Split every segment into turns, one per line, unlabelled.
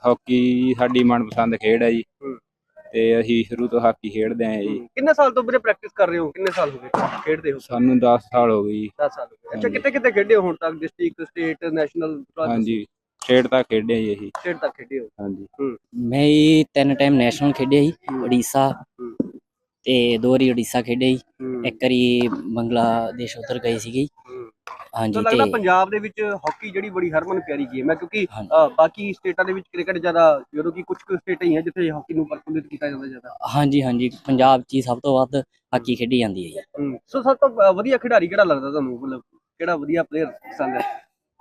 Hockey ਸਾਡੀ ਮਨਪਸੰਦ ਖੇਡ ਹੈ ਜੀ ਤੇ ਅਸੀਂ ਸ਼ੁਰੂ ਤੋਂ ਹਾਕੀ ਖੇਡਦੇ ਆਏ ਜੀ।
ਕਿੰਨੇ ਸਾਲ ਤੋਂ ਵੀਰੇ ਪ੍ਰੈਕਟਿਸ ਕਰ ਰਹੇ ਹੋ? ਕਿੰਨੇ ਸਾਲ ਹੋ ਗਏ ਖੇਡਦੇ ਹੋ?
ਸਾਨੂੰ 10 ਸਾਲ ਹੋ ਗਏ ਜੀ।
10 ਸਾਲ ਹੋ ਗਏ। ਅੱਛਾ, ਕਿੱਥੇ ਕਿੱਥੇ ਖੇਡੇ ਹੋ ਹੁਣ ਤੱਕ? District, state, national?
ਹਾਂਜੀ, ਸਟੇਟ ਤੱਕ ਖੇਡੇ ਜੀ ਅਸੀਂ।
ਸਟੇਟ ਤੱਕ ਖੇਡੇ ਹੋ?
ਹਾਂਜੀ।
ਮੈਂ ਜੀ 3 ਟਾਈਮ ਨੈਸ਼ਨਲ ਖੇਡਿਆ ਜੀ, ਉੜੀਸਾ ਤੇ 2 ਵਾਰੀ ਉੜੀਸਾ ਖੇਡਿਆ ਜੀ, 1 ਵਾਰੀ ਬੰਗਲਾਦੇਸ਼ ਉੱਧਰ ਗਏ ਸੀਗੇ। ਹਾਂਜੀ,
ਲੱਗਦਾ ਪੰਜਾਬ ਦੇ ਵਿੱਚ ਹਾਕੀ ਜਿਹੜੀ ਬੜੀ ਹਰਮਨ ਪਿਆਰੀ ਗੇਮ ਹੈ, ਕਿਉਂਕਿ ਬਾਕੀ ਸਟੇਟਾਂ ਦੇ ਵਿੱਚ ਕ੍ਰਿਕਟ ਜ਼ਿਆਦਾ, ਜਦੋਂ ਕਿ ਕੁਝ ਕੁ ਸਟੇਟਾਂ ਹੀ ਹੈ ਜਿੱਥੇ ਹਾਕੀ ਨੂੰ ਪ੍ਰਫੁੱਲਿਤ ਕੀਤਾ ਜਾਂਦਾ ਜ਼ਿਆਦਾ।
ਹਾਂਜੀ, ਪੰਜਾਬ 'ਚ ਹੀ ਸਭ ਤੋਂ ਵੱਧ ਹਾਕੀ ਖੇਡੀ ਜਾਂਦੀ ਹੈ ਜੀ।
ਸੋ ਸਭ ਤੋਂ ਵਧੀਆ ਖਿਡਾਰੀ ਕਿਹੜਾ ਲੱਗਦਾ ਤੁਹਾਨੂੰ? ਮਤਲਬ ਕਿਹੜਾ ਵਧੀਆ ਪਲੇਅਰ ਪਸੰਦ ਹੈ?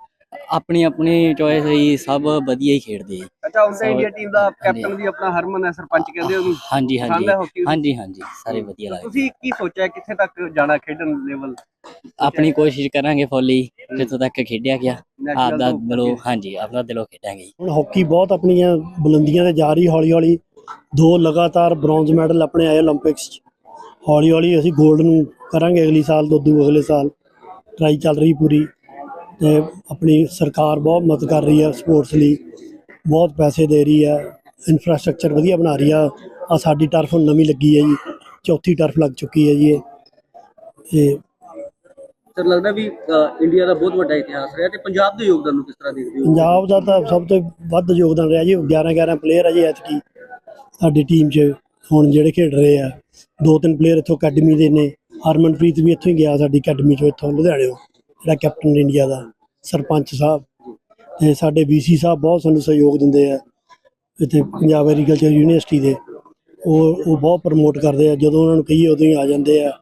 ਆਪਣੀ ਚੋਇਸ ਹੈ ਜੀ, ਸਭ ਵਧੀਆ ਹੀ ਖੇਡਦੇ ਜੀ।
ਅੱਛਾ, ਹੁਣ ਤਾਂ ਇੰਡੀਆ ਟੀਮ ਦਾ ਕੈਪਟਨ ਵੀ ਆਪਣਾ ਹਰਮਨ ਹੈ, ਸਰਪੰਚ ਕਹਿੰਦੇ ਉਹਨੂੰ।
ਹਾਂਜੀ, ਸਾਰੇ ਵਧੀਆ ਲੱਗਦੇ।
ਤੁਸੀਂ ਕੀ ਸੋਚਿਆ ਕਿੱਥੇ ਤੱਕ ਜਾਣਾ ਖੇਡਣ ਲੈਵਲ?
ਆਪਣੀ ਕੋਸ਼ਿਸ਼ ਕਰਾਂਗੇ ਫੁੱਲੀ, ਜਿੱਥੋਂ ਤੱਕ ਖੇਡਿਆ ਗਿਆ ਆਪਦਾ ਦਿਲੋਂ। ਹਾਂਜੀ, ਆਪਣਾ ਦਿਲੋਂ ਖੇਡਾਂਗੇ।
ਹੁਣ ਹਾਕੀ ਬਹੁਤ ਆਪਣੀਆਂ ਬੁਲੰਦੀਆਂ ਤੇ ਜਾ ਰਹੀ ਹੌਲੀ ਹੌਲੀ। 2 ਲਗਾਤਾਰ ਬ੍ਰੌਂਜ਼ ਮੈਡਲ ਆਪਣੇ ਆਏ ਓਲੰਪਿਕਸ 'ਚ। ਹੌਲੀ ਹੌਲੀ ਅਸੀਂ ਗੋਲਡ ਨੂੰ ਕਰਾਂਗੇ ਅਗਲੀ ਸਾਲ ਤੋਂ ਅਗਲੇ ਸਾਲ। ਟਰਾਈ ਚੱਲ ਰਹੀ ਪੂਰੀ ਤੇ ਆਪਣੀ ਸਰਕਾਰ ਬਹੁਤ ਮਦਦ ਕਰ ਰਹੀ ਹੈ ਸਪੋਰਟਸ ਲਈ, ਬਹੁਤ ਪੈਸੇ ਦੇ ਰਹੀ ਹੈ, ਇਨਫਰਾਸਟਰਕਚਰ ਵਧੀਆ ਬਣਾ ਰਹੀ ਆ। ਸਾਡੀ ਟਰਫ ਹੁਣ ਨਵੀਂ ਲੱਗੀ ਹੈ ਜੀ, 4ਥੀ ਟਰਫ ਲੱਗ ਚੁੱਕੀ ਹੈ ਜੀ ਇਹ।
ਸਰ, ਲੱਗਦਾ ਵੀ ਇੰਡੀਆ ਦਾ ਬਹੁਤ ਵੱਡਾ ਇਤਿਹਾਸ ਰਿਹਾ, ਤੇ ਪੰਜਾਬ ਦੇ ਯੋਗਦਾਨ ਨੂੰ ਕਿਸ ਤਰ੍ਹਾਂ ਦੇਖਦੇ ਹੋ?
ਪੰਜਾਬ ਦਾ ਤਾਂ ਸਭ ਤੋਂ ਵੱਧ ਯੋਗਦਾਨ ਰਿਹਾ ਜੀ। 11 ਪਲੇਅਰ ਆ ਜੀ ਐਤਕੀ ਸਾਡੀ ਟੀਮ 'ਚ ਹੁਣ ਜਿਹੜੇ ਖੇਡ ਰਹੇ ਆ। 2-3 ਪਲੇਅਰ ਇੱਥੋਂ ਅਕੈਡਮੀ ਦੇ ਨੇ। ਹਰਮਨਪ੍ਰੀਤ ਵੀ ਇੱਥੋਂ ਹੀ ਗਿਆ ਸਾਡੀ ਅਕੈਡਮੀ 'ਚੋਂ, ਇੱਥੋਂ ਲੁਧਿਆਣਿਓਂ, ਜਿਹੜਾ ਕੈਪਟਨ ਇੰਡੀਆ ਦਾ, ਸਰਪੰਚ ਸਾਹਿਬ ਤੇ ਸਾਡੇ VC ਸਾਹਿਬ ਬਹੁਤ ਸਾਨੂੰ ਸਹਿਯੋਗ ਦਿੰਦੇ ਆ ਇੱਥੇ ਪੰਜਾਬ ਐਗਰੀਕਲਚਰ ਯੂਨੀਵਰਸਿਟੀ ਦੇ। ਉਹ ਬਹੁਤ ਪ੍ਰਮੋਟ ਕਰਦੇ ਆ, ਜਦੋਂ ਉਹਨਾਂ ਨੂੰ ਕਹੀਏ ਉਦੋਂ ਹੀ ਆ ਜਾਂਦੇ ਆ।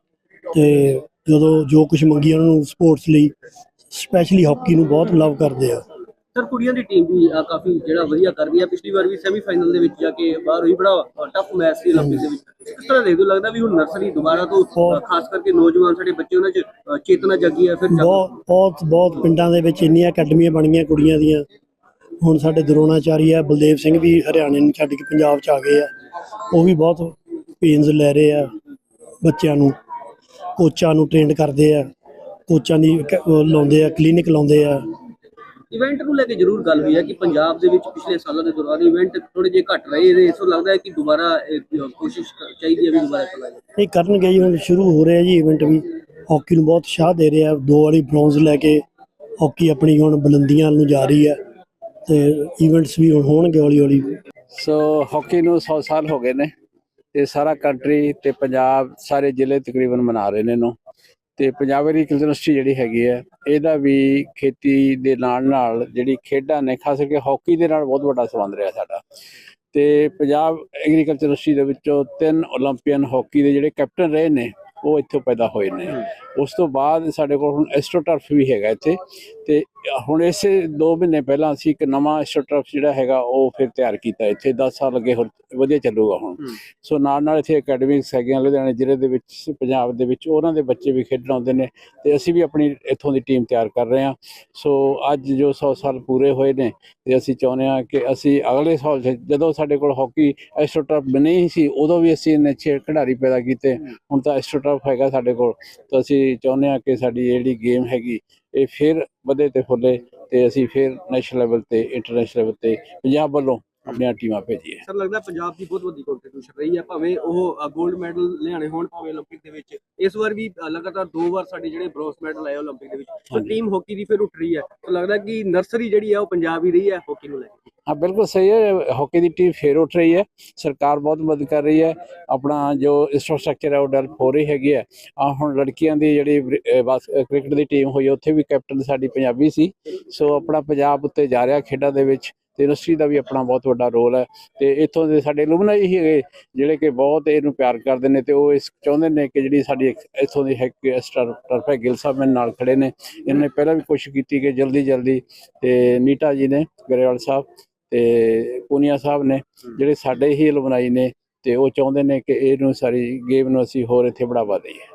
ਤੇ ਜਦੋਂ ਜੋ ਕੁਝ ਮੰਗੀ ਉਹਨਾਂ ਨੂੰ ਸਪੋਰਟਸ ਲਈ, ਸਪੈਸ਼ਲੀ ਹਾਕੀ ਨੂੰ ਬਹੁਤ ਲਵ ਕਰਦੇ ਆ।
ਸਰ, ਕੁੜੀਆਂ ਦੀ ਟੀਮ ਵੀ ਕਾਫੀ ਜਿਹੜਾ ਵਧੀਆ ਕਰ ਰਹੀ ਹੈ। ਪਿਛਲੀ ਵਾਰ ਵੀ ਸੈਮੀਫਾਈਨਲ ਦੇ ਵਿੱਚ ਜਾ ਕੇ ਬਾਹਰ ਹੋਈ, ਬੜਾ ਟਫ ਮੈਚ ਸੀ ਓਲੰਪਿਕ ਦੇ ਵਿੱਚ। ਕਿਸ ਤਰ੍ਹਾਂ ਦੇਖਦੇ ਹੋ? ਲੱਗਦਾ ਵੀ ਹੁਣ ਨਰਸਰੀ ਦੁਬਾਰਾ ਤੋਂ, ਖਾਸ ਕਰਕੇ ਨੌਜਵਾਨ ਸਾਡੇ ਬੱਚੇ, ਉਹਨਾਂ 'ਚ ਚੇਤਨਾ ਜਾਗੀ ਹੈ? ਫਿਰ
ਬਹੁਤ ਪਿੰਡਾਂ ਦੇ ਵਿੱਚ ਇੰਨੀਆਂ ਅਕੈਡਮੀਆਂ ਬਣੀਆਂ ਕੁੜੀਆਂ ਦੀਆਂ। ਹੁਣ ਸਾਡੇ ਦਰੋਣਾਚਾਰੀ ਆ, ਬਲਦੇਵ ਸਿੰਘ ਵੀ ਹਰਿਆਣੇ ਨੂੰ ਛੱਡ ਕੇ ਪੰਜਾਬ 'ਚ ਆ ਗਏ ਆ। ਉਹ ਵੀ ਬਹੁਤ ਪੇਨਸ ਲੈ ਰਹੇ ਆ, ਬੱਚਿਆਂ ਨੂੰ, ਕੋਚਾਂ ਨੂੰ ਟ੍ਰੇਨਡ ਕਰਦੇ ਆ, ਕੋਚਾਂ ਦੀ ਲਾਉਂਦੇ ਆ, ਕਲੀਨਿਕ ਲਾਉਂਦੇ ਆ।
ਇਵੈਂਟ ਨੂੰ ਲੈ ਕੇ ਜ਼ਰੂਰ ਗੱਲ ਹੋਈ ਹੈ ਕਿ ਪੰਜਾਬ ਦੇ ਵਿੱਚ ਪਿਛਲੇ ਸਾਲਾਂ ਦੇ ਦੌਰਾਨ ਇਵੈਂਟ ਥੋੜੇ ਜਿਹੇ ਘੱਟ ਰਹੇ ਨੇ। ਇਸ ਤੋਂ ਲੱਗਦਾ ਹੈ ਕਿ ਦੁਬਾਰਾ ਕੋਸ਼ਿਸ਼ ਚਾਹੀਦੀ ਹੈ ਵੀ ਦੁਬਾਰਾ ਕਰਾਂਗੇ।
ਨਹੀਂ, ਕਰਨਗੇ ਜੀ, ਹੁਣ ਸ਼ੁਰੂ ਹੋ ਰਿਹਾ ਜੀ ਇਵੈਂਟ ਵੀ। ਹਾਕੀ ਨੂੰ ਬਹੁਤ ਉਤਸ਼ਾਹ ਦੇ ਰਿਹਾ। 2 ਵਾਰੀ ਬ੍ਰੌਂਜ਼ ਲੈ ਕੇ ਹਾਕੀ ਆਪਣੀ ਹੁਣ ਬੁਲੰਦੀਆਂ ਨੂੰ ਜਾ ਰਹੀ ਹੈ ਤੇ ਇਵੈਂਟਸ ਵੀ ਹੁਣ ਹੋਣਗੇ ਹੌਲੀ ਹੌਲੀ।
ਸੋ ਹਾਕੀ ਨੂੰ 100 ਸਾਲ ਹੋ ਗਏ ਨੇ ਤੇ ਸਾਰਾ ਕੰਟਰੀ ਤੇ ਪੰਜਾਬ ਸਾਰੇ ਜ਼ਿਲ੍ਹੇ ਤਕਰੀਬਨ ਮਨਾ ਰਹੇ ਨੇ ਇਹਨੂੰ। ਤੇ ਪੰਜਾਬ ਐਗਰੀਕਲਚਰ ਯੂਨੀਵਰਸਿਟੀ ਜਿਹੜੀ ਹੈਗੀ ਹੈ, ਇਹਦਾ ਵੀ ਖੇਤੀ ਦੇ ਨਾਲ ਜਿਹੜੀ ਖੇਡਾਂ ਨੇ, ਖਾਸ ਕਰਕੇ ਹਾਕੀ ਦੇ ਨਾਲ ਬਹੁਤ ਵੱਡਾ ਸੰਬੰਧ ਰਿਹਾ ਸਾਡਾ। ਤੇ ਪੰਜਾਬ ਐਗਰੀਕਲਚਰ ਯੂਨੀਵਰਸਿਟੀ ਦੇ ਵਿੱਚੋਂ 3 ਓਲੰਪੀਅਨ ਹਾਕੀ ਦੇ ਜਿਹੜੇ ਕੈਪਟਨ ਰਹੇ ਨੇ, ਉਹ ਇੱਥੋਂ ਪੈਦਾ ਹੋਏ ਨੇ। ਉਸ ਤੋਂ ਬਾਅਦ ਸਾਡੇ ਕੋਲ ਹੁਣ ਐਸਟ੍ਰੋਟਰਫ ਵੀ ਹੈਗਾ ਇੱਥੇ। ਤੇ ਹੁਣ ਇਸੇ 2 ਮਹੀਨੇ ਪਹਿਲਾਂ ਅਸੀਂ ਇੱਕ ਨਵਾਂ ਐਸਟ੍ਰੋਟਰਫ ਜਿਹੜਾ ਹੈਗਾ ਉਹ ਫਿਰ ਤਿਆਰ ਕੀਤਾ ਇੱਥੇ। 10 ਸਾਲ ਅੱਗੇ ਹੋਰ ਵਧੀਆ ਚੱਲੂਗਾ ਹੁਣ। ਸੋ ਨਾਲ ਇੱਥੇ ਅਕੈਡਮੀਜ਼ ਹੈਗੀਆਂ ਲੁਧਿਆਣੇ ਜ਼ਿਲ੍ਹੇ ਦੇ ਵਿੱਚ, ਪੰਜਾਬ ਦੇ ਵਿੱਚ, ਉਹਨਾਂ ਦੇ ਬੱਚੇ ਵੀ ਖੇਡਣ ਆਉਂਦੇ ਨੇ ਤੇ ਅਸੀਂ ਵੀ ਆਪਣੀ ਇੱਥੋਂ ਦੀ ਟੀਮ ਤਿਆਰ ਕਰ ਰਹੇ ਹਾਂ। ਸੋ ਅੱਜ ਜੋ 100 ਸਾਲ ਪੂਰੇ ਹੋਏ ਨੇ ਤੇ ਅਸੀਂ ਚਾਹੁੰਦੇ ਹਾਂ ਕਿ ਅਸੀਂ ਅਗਲੇ ਸਾਲ, ਜਦੋਂ ਸਾਡੇ ਕੋਲ ਹਾਕੀ ਐਸਟ੍ਰੋਟਰਫ ਨਹੀਂ ਸੀ, ਉਦੋਂ ਵੀ ਅਸੀਂ ਇੰਨੇ ਅੱਛੇ ਖਿਡਾਰੀ ਪੈਦਾ ਕੀਤੇ। ਹੁਣ ਤਾਂ ਐਸਟ੍ਰੋਟਰਫ ਹੈਗਾ ਸਾਡੇ ਕੋਲ, ਤਾਂ ਅਸੀਂ ਚਾਹੁੰਦੇ ਹਾਂ ਕਿ ਸਾਡੀ ਜਿਹੜੀ ਗੇਮ ਹੈਗੀ ਇਹ ਫਿਰ ਵਧੇ ਤੇ ਫੁੱਲੇ ਤੇ ਅਸੀਂ ਫਿਰ ਨੈਸ਼ਨਲ ਲੈਵਲ ਤੇ, ਇੰਟਰਨੈਸ਼ਨਲ ਲੈਵਲ ਤੇ ਪੰਜਾਬ ਵੱਲੋਂ ਆਪਣੀਆਂ ਟੀਮਾਂ ਭੇਜੀਏ।
ਸਰ, ਲੱਗਦਾ ਪੰਜਾਬ ਦੀ ਬਹੁਤ ਵੱਡੀ ਕੰਟਰੀਬਿਊਸ਼ਨ ਰਹੀ ਹੈ, ਭਾਵੇਂ ਉਹ 골ਡ ਮੈਡਲ ਲਿਆਣੇ ਹੋਣ, ਭਾਵੇਂ ਓਲੰਪਿਕ ਦੇ ਵਿੱਚ। ਇਸ ਵਾਰ ਵੀ ਲਗਾਤਾਰ 2 ਵਾਰ ਸਾਡੇ ਜਿਹੜੇ ਬ੍ਰੌਂਜ਼ ਮੈਡਲ ਆਏ ਓਲੰਪਿਕ ਦੇ ਵਿੱਚ। ਟੀਮ ਹਾਕੀ ਦੀ ਫਿਰ ਉੱਠ ਰਹੀ ਹੈ, ਤਾਂ ਲੱਗਦਾ ਕਿ ਨਰਸਰੀ ਜਿਹੜੀ ਹੈ ਉਹ ਪੰਜਾਬ ਹੀ ਰਹੀ ਹੈ ਹਾਕੀ ਨੂੰ ਲੈ ਕੇ।
हाँ, बिल्कुल सही है। हॉकी की टीम फिर उठ रही है, सरकार बहुत मदद कर रही है, अपना जो इंफ्रास्ट्रक्चर है वो डेवलप हो रही हैगी है। ਹੁਣ ਲੜਕੀਆਂ ਦੀ ਜਿਹੜੀ ਕ੍ਰਿਕਟ ਦੀ ਟੀਮ ਹੋਈ, ਉੱਥੇ ਵੀ ਕੈਪਟਨ ਸਾਡੀ ਪੰਜਾਬੀ ਸੀ। ਸੋ ਆਪਣਾ ਪੰਜਾਬ ਉੱਤੇ ਜਾ ਰਿਹਾ ਖੇਡਾਂ ਦੇ ਵਿੱਚ, ਤੇ ਯੂਨੀਵਰਸਿਟੀ ਦਾ ਵੀ ਆਪਣਾ ਬਹੁਤ ਵੱਡਾ ਰੋਲ ਹੈ। ਤੇ ਇੱਥੋਂ ਦੇ ਸਾਡੇ ਐਲੂਮਨਾਈ ਹੀ ਹੈਗੇ ਜਿਹੜੇ ਕਿ ਬਹੁਤ ਇਹਨੂੰ ਪਿਆਰ ਕਰਦੇ ਨੇ, ਤੇ ਉਹ ਇਸ ਚਾਹੁੰਦੇ ਨੇ ਕਿ ਜਿਹੜੀ ਸਾਡੀ ਇੱਥੋਂ ਦੀ ਟਰਫ ਹੈ। ਗਿੱਲ ਸਾਹਿਬ ਮੇਰੇ ਨਾਲ ਖੜੇ ਨੇ, ਇਹਨਾਂ ਨੇ ਪਹਿਲਾਂ ਵੀ ਕੋਸ਼ਿਸ਼ ਕੀਤੀ ਕਿ ਜਲਦੀ ਤੇ ਨੀਟਾ ਜੀ ਨੇ, ਗਰੇਵਾਲ ਸਾਹਿਬ ਤੇ ਪੂਨੀਆ ਸਾਹਿਬ ਨੇ, ਜਿਹੜੇ ਸਾਡੇ ਹੀ ਐਲੂਮਨਾਈ ਨੇ, ਤੇ ਉਹ ਚਾਹੁੰਦੇ ਨੇ ਕਿ ਇਹਨੂੰ ਸਾਰੀ ਗੇਮ ਨੂੰ ਅਸੀਂ ਹੋਰ ਇੱਥੇ ਬੜਾਵਾ ਦਈਏ।